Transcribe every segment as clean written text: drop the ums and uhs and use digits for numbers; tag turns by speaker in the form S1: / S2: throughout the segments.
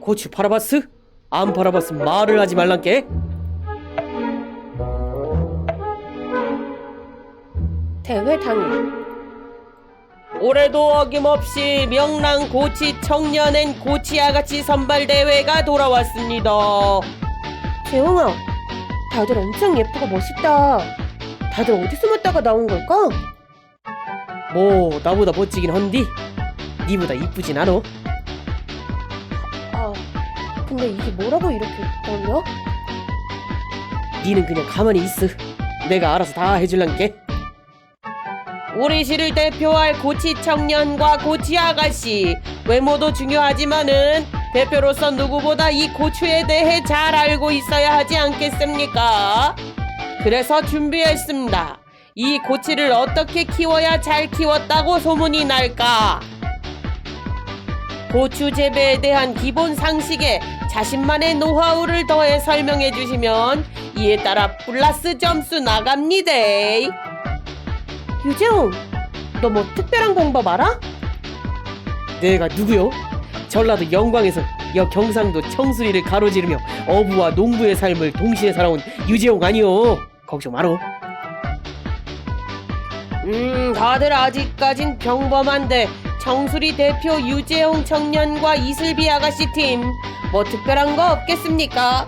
S1: 고추 팔아봤어? 안 팔아봤으면 말을 하지 말란께.
S2: 대회 당일.
S1: 올해도 어김없이 명랑 고치 청년엔 고치 아가씨 선발 대회가 돌아왔습니다.
S2: 재홍아, 다들 엄청 예쁘고 멋있다. 다들 어디 숨었다가 나온 걸까?
S1: 뭐 나보다 멋지긴 헌디 니보다 이쁘진 않어.
S2: 아, 근데 이게 뭐라고 이렇게 떨려?
S1: 니는 그냥 가만히 있어. 내가 알아서 다 해줄란께. 우리 시를 대표할 고치 청년과 고치 아가씨, 외모도 중요하지만은 대표로서 누구보다 이 고추에 대해 잘 알고 있어야 하지 않겠습니까? 그래서 준비했습니다. 이 고치를 어떻게 키워야 잘 키웠다고 소문이 날까? 고추 재배에 대한 기본 상식에 자신만의 노하우를 더해 설명해 주시면 이에 따라 플러스 점수 나갑니다.
S2: 유재홍, 너 뭐 특별한 공법 알아?
S1: 내가 누구요? 전라도 영광에서 경상도 청수리를 가로지르며 어부와 농부의 삶을 동시에 살아온 유재홍 아니요. 걱정 마로. 다들 아직까진 평범한데 청수리 대표 유재홍 청년과 이슬비 아가씨 팀 뭐 특별한 거 없겠습니까?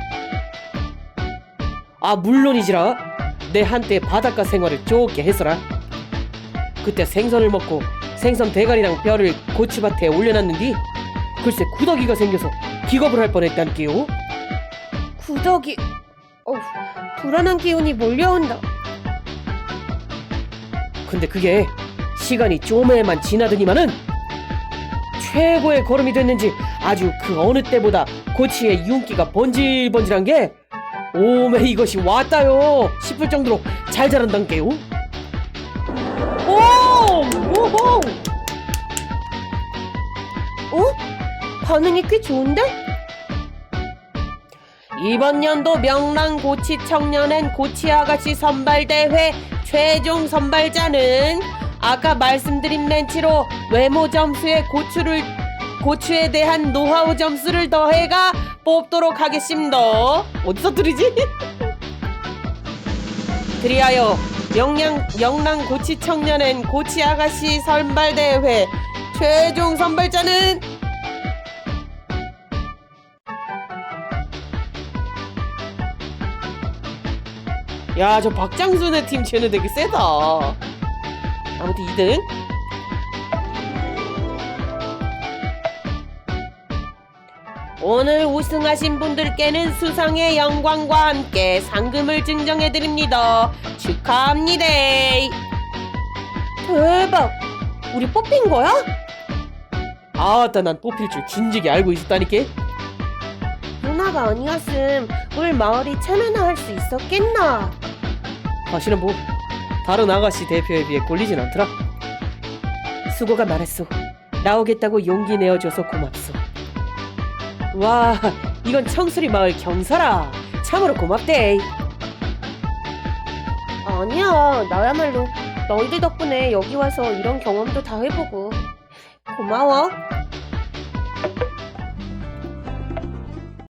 S1: 아, 물론이지라. 내 한때 바닷가 생활을 좋게 했어라. 그때 생선을 먹고 생선 대가리랑 뼈를 고추밭에 올려놨는디 글쎄 구더기가 생겨서 기겁을 할 뻔했다니까요.
S2: 구더기. 불안한 기운이 몰려온다.
S1: 근데 그게 시간이 좀에만 지나더니만은 최고의 걸음이 됐는지 아주 그 어느 때보다 고추의 윤기가 번질번질한 게 오메 이것이 왔다요 싶을 정도로 잘 자란단게요. 오호!
S2: 반응이 꽤 좋은데?
S1: 이번 연도 명랑 고치 청년엔 고치 아가씨 선발대회 최종 선발자는 아까 말씀드린 멘치로 외모 점수에 고추에 대한 노하우 점수를 더해가 뽑도록 하겠습니다. 어디서 들이지? 그리하여 명랑 고치 청년엔 고치 아가씨 선발대회 최종 선발자는 야, 저 박장순의 팀 쟤는 되게 세다. 아무튼 2등. 오늘 우승하신 분들께는 수상의 영광과 함께 상금을 증정해드립니다. 축하합니다.
S2: 대박! 우리 뽑힌 거야?
S1: 아따, 난 뽑힐 줄 진즉에 알고 있었다니까.
S2: 누나가 아니었음 우리 마을이 참여나 할 수 있었겠나?
S1: 사실은 뭐 다른 아가씨 대표에 비해 꼴리진 않더라. 수고가 많았소. 나오겠다고 용기 내어줘서 고맙소. 와, 이건 청수리 마을 경사라. 참으로 고맙대.
S2: 아니야, 나야말로 너희들 덕분에 여기 와서 이런 경험도 다 해보고 고마워.